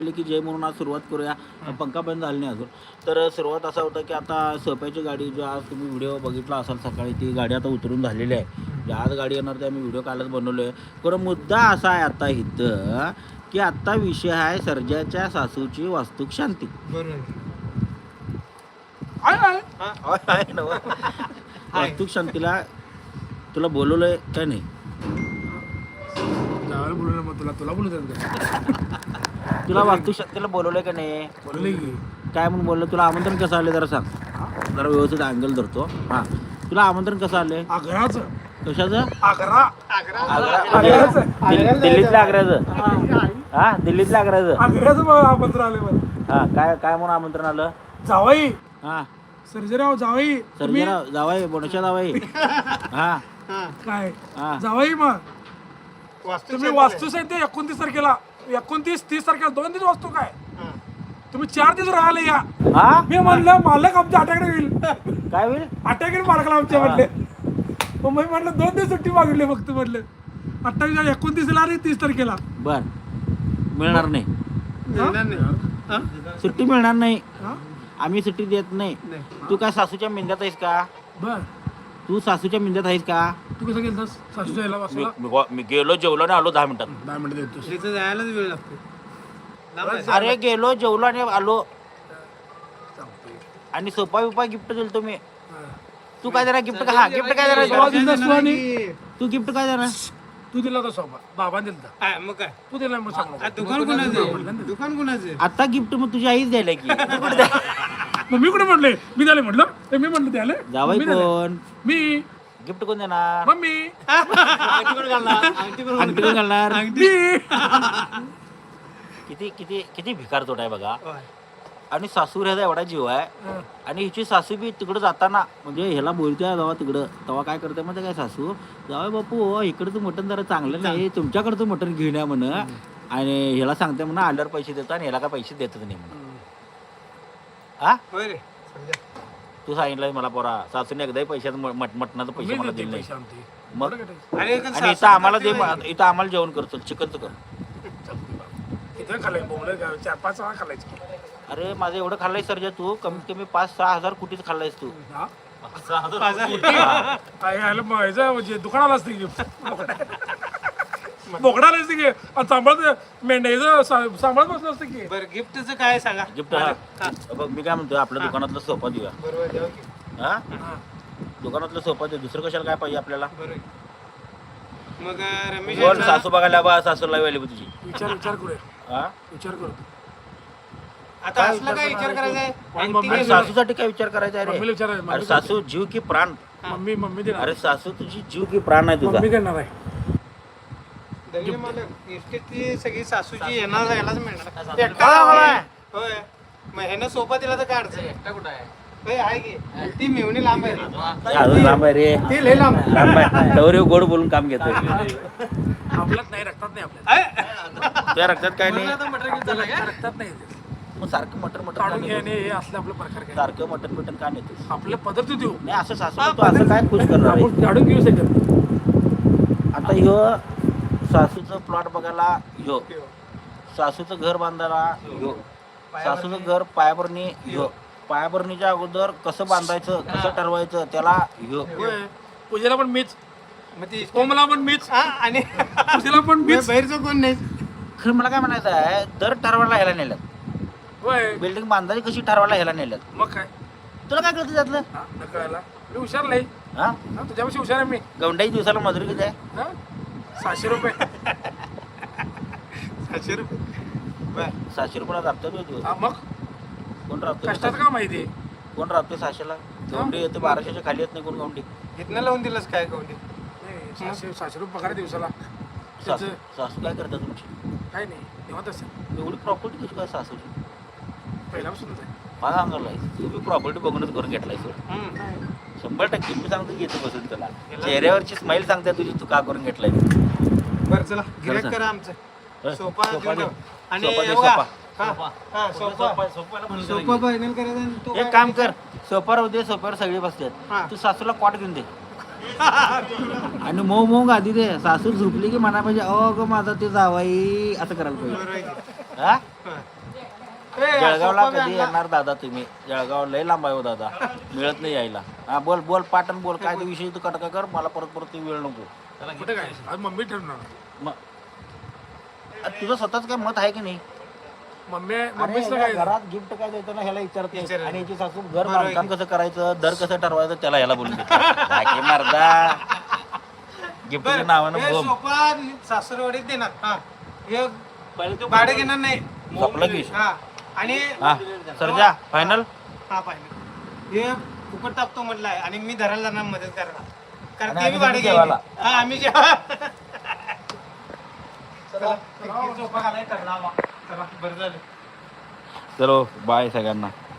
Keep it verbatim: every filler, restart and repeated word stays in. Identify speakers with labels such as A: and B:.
A: की जय म्हणून आज सुरुवात करूया. पंखा बंद झाला नाही अजून. तर सुरुवात असा होता की आता सोप्याची गाडी जो आज तुम्ही व्हिडिओ बघितला असाल सकाळी, ती गाडी आता उतरून झालेली आहे. जे आज गाडी येणार ते आम्ही व्हिडिओ कालच बनवलो आहे. पण मुद्दा असा आहे आता इथं की आत्ता विषय आहे सर्जाच्या सासूची वास्तुक शांती. वास्तुक शांतीला तुला बोलवलंय काय नाही?
B: तुला तुला बोलू
A: तुला वास्तुक शांतीला बोलवलंय का नाही?
B: बोलले की
A: काय म्हणून बोललं? तुला आमंत्रण कसं आले जरा सांग. जरा व्यवस्थित अँगल धरतो. हां, तुला आमंत्रण कसं आले?
B: आग्राचं
A: कशाचं?
B: आग्रा
A: आग्रा दिल्ली- दिल्लीतल्या आग्र्याचं. हा, दिल्लीतल्या आग्र्याचं.
B: आग्र्याचं आमंत्रण आले मला.
A: हा, काय काय म्हणून आमंत्रण आलं?
B: जावाई
A: हा,
B: सर्जेराव जावाई तुम्ही
A: सर्जेराव जावाई, बोनशा जावाई. हा
B: काय
A: हा
B: जावाई मग तुम्ही वास्तू साहित्य एकोणतीस तारखेला एकोणतीस तीस तारखेला दोन दिवस वास्तू काय तुम्ही चार दिवस राहायला या.
A: हा,
B: मी म्हणलं मालक आमच्या अटॅकडे होईल
A: काय होईल?
B: अटॅकडे मालकाला आमच्या म्हणले. मग मी म्हटलं दोन दिवस सुट्टी मागितली फक्त. म्हटलं अठ्ठावीस एकोणतीसला आणि तीस तारखेला
A: बर, मिळणार नाही
B: हा?
A: सुट्टी, मिळणार नाही.
B: हा?
A: आम्ही सुट्टी देत नाही. तू काय सासूच्या मिंद्यात आहेस का?
B: बर
A: तू सासूच्या मिंद्यात आहेस का?
B: तू कसं गेलतास सासूच्या याला
A: मी
B: वाचला
A: मी- मी गेलो, जेवलो आणि आलो दहा मिनिटात.
B: दहा मिनिटं देतोस
C: तिथं जायलाच वेळ लागतो.
A: अरे गेलो, जेवलो आणि आलो. आणि सोपा बिपा गिफ्ट दिलं तुम्ही. तू काय देणार गिफ्ट? का? हा, गिफ्ट काय
B: सोपा
A: देणार?
B: दिलतास तू आणि
A: तू गिफ्ट काय देणार?
B: तू दिला होता सोपा बाबा दिलता
C: काय मग काय
B: तू दिला मग सांग
C: आ, दुकान कोणाचं दुकान कोणाचं
A: आता गिफ्ट मग तुझी आईच द्यायला की. तू कुठं द्या-
B: मग मी कुठे म्हटले मी द्याले म्हटलं ते मी म्हटलं द्याले
A: जावई
B: मी द्याले.
A: कोण?
B: मी
A: गिफ्ट कोण देणार?
B: मम्मी
A: अंगठी कोण घालणार?
B: मी
A: किती किती किती भिकार तोट आहे बघा. आणि सासू ह्याचा एवढा जीव आहे. आणि हिची सासू बी तिकडं जाताना म्हणजे ह्याला बोलते जेव्हा तिकडं तेव्हा काय करते म्हणजे काय सासू, जावई बापू इकडचं मटण जरा चांगलं नाही, तुमच्याकडचं मटण घेऊन या म्हण. आणि ह्याला सांगते म्हणा आल्यावर पैसे देतो आणि ह्याला काय पैसे देतच नाही म्हणून. हा,
C: होय रे
A: तू सांगितलं मला पोरा सासूने एकदाही पैशाचं मट मटणाचं पैसे मला दिले नाही.
B: शांती
A: मग
C: अरे
A: आणि इथं आम्हाला दे, इथं आम्हाला जेवण करतो चिकनचं कर.
B: किती खाल्लंय बोंबलं चार पाच वेळा खाल्लायचं
A: अरे माझं एवढं खाल्लंय सर्जा तू, कमीत कमी पाच सहा हजार कुठेच खाल्लायस तू.
B: हा?
A: हा.
B: काय यायला मग ह्याचं म्हणजे दुकानाला असते की बोकडाला असते की आणि सांभाळत मेंढ्याचं सा- सांभाळत बसलं असतं की
C: बरं गिफ्टचं काय सांगा
A: गिफ्ट हा. बघ मी काय म्हणतोय, आपल्या दुकानातला सोफा देऊया.
C: बरोबर द्यावं की.
A: हा,
B: हा.
A: दुकानातला सोफा देऊ. दुसरं कशाला काय पाहिजे आपल्याला?
C: बरोबर मग अं, रमेश
A: बोल,
C: यांचा-
A: सासू बघायला बा, सासूला वेळ तुझी.
B: विचार विचार करूया
A: हा,
B: विचार करू
C: आता असला काय विचार करायचा आहे
B: मम्मी-
C: अंगठी
A: अरे
C: घेऊन-
A: सासूसाठी काय विचार करायचा आहे
B: मम्मीला
A: रे?
B: विचार आहे,
A: अरे
B: मम्मी
A: सासू जीव की प्राण.
B: मम्मी मम्मी देणार
A: अरे सासू तुझी जीव की प्राण आहे तुझा.
B: मम्मी करणार आहे
C: दलित मालक इस्टेटची सगळी सासूची येणार यालाच मिळणार
A: काय
C: एकटा
A: मला?
C: आहे. होय मग ह्यानं सोपा दिला तर काय अडचण एकटा कुठं आहे होय आहे की ती मेवणी लांब आहे रे.
A: अजून लांब आहे रे.
C: ती लय लांब
A: लांब आहे. तवर ह्यो गोड बोलून काम घेतोय.
B: आपल्यात नाही रक्तात नाही आपल्यात
A: त्या रक्तात काय नाही.
B: रक्तात नाही ते.
A: मग सारखं मटन मटन
B: काढून घेणे हे असले आपले प्रकार काय
A: सारखं मटन मटन का नेतो?
B: आपले पदार्थ देऊ
A: नाही असं सासू तू असं काय खुश करणार आहे?
B: आपण काढून घेऊ शकत
A: आता ह्यो सासूचं प्लॉट बघायला ह्यो, सासूचं घर बांधायला ह्यो, सासूचं घर पायाभरणी ह्यो, पायाभरणीच्या अगोदर कसं बांधायचं कसं ठरवायचं त्याला ह्यो.
B: पूजेला पण मीच
C: मग ती
B: कोमला पण मीच
C: हा आणि
B: पूजेला पण मीच
C: बाहेरचं कोण नाही
A: खरं मला काय म्हणायचं आहे, दर ठरवायला ह्याला नेल्यात.
B: होय
A: बिल्डिंग बांधायची कशी ठरवायला ह्याला नेल्यात.
B: मग काय
A: तुला काय कळतं त्यातलं?
B: हा, न कळायला मी हुशार नाही
A: हा,
B: हा, तुझ्यापेक्षा हुशार आहे मी
A: गवंडाई दिवसाला मजुरी किती आहे?
B: हा? सहाशे रुपये
C: सातशे रुपये बर
A: सहाशे रुपयाला राबतात होय दिवस.
B: हा, मग
A: कोण राबतो?
B: कष्टाचं काम आहे ते
A: कोण राबते सहाशेला? गवंडी येते बाराशेच्या खाली येत नाही कोण गवंडी.
C: इथनं लावून दिलंस काय कवडी
B: नाही, सहाशे सहाशे रुपये पगार आहे दिवसाला
A: सासू
B: त्याचं
A: सासू काय करतात तुमची?
B: काय नाही निवांत असेल
A: एवढी प्रॉपर्टी कशी काय सासूची?
B: पहिल्यापासूनच आहे
A: मला सांगायला तू बी प्रॉपर्टी बघूनच करून घेतलाय सर. शंभर टक्के मी सांगतो घेतो बसून तुला. चेहऱ्यावरची स्माईल सांगते तुझी, तू का करून घेतलाय.
C: बरं चला गिऱ्हाईक
A: सांग.
C: करा आमचं
A: हं?
C: सोफा
A: सोफा
C: देऊन
A: दे.
C: टाक. आणि
A: सोफा दे,
C: बघा,
A: सोफा.
C: हा, हा, सोफा सोफा फायनल करायचा आणि तो
A: एक
C: काय
A: काम कर, सोफ्यावर होते सोफ्यावर सगळे
C: हा.
A: बसतात, तू सासूला कॉट घेऊन दे आणि मऊ मऊ गादी दे. सासू झोपली की म्हणा पाहिजे अ ग माझा ते जावाई असं करायला पाहिजे.
C: बरोबर आहे की.
A: हा
C: ए,
A: जळगावला
C: सोफा बी
A: कधी
C: आणला.
A: येणार दादा तुम्ही? जळगाव लय लांब आहे हो दादा, मिळत नाही यायला. हा बोल बोल पाटण बोल, काय ते विषय तू कटका कर, मला परत परत ते वेळ नको.
B: कुठे काय आज मम्मी ठरणार
A: मग तुझं स्वतःच काय मत आहे की नाही?
B: मम्मी
A: अरे
B: मम्मीच
A: या
B: काय
A: घरात गिफ्ट काय द्यायचं ना ह्याला विचारत नाही.
C: विचारत
A: आणि
C: नाही.
A: याची सासू घर
C: बरोबर
A: बांधकाम
C: आहे.
A: कसं करायचं, दर कसं ठरवायचं, त्याला ह्याला बोलून देते मर्दा. गिफ्टच्या नावानं
C: हे
A: बोम
C: सोफा सासरवाडीत देणार हा हे भाडे घेणार नाही
A: संपलं की.
C: हा आणि
A: हा सरजा फायनल.
C: हा पाहिजे हे फुकट टाकतो म्हटलंय आणि मी धरायला जाणार मदत करणार कारण
A: आणि
C: ते बी
A: आम्ही
C: भाडे
A: जेवायला.
C: घ्यायचे. हा आम्ही जेवा चला सोफा घालाय करणार चला बरं झालं
A: चलो बाय सगळ्यांना.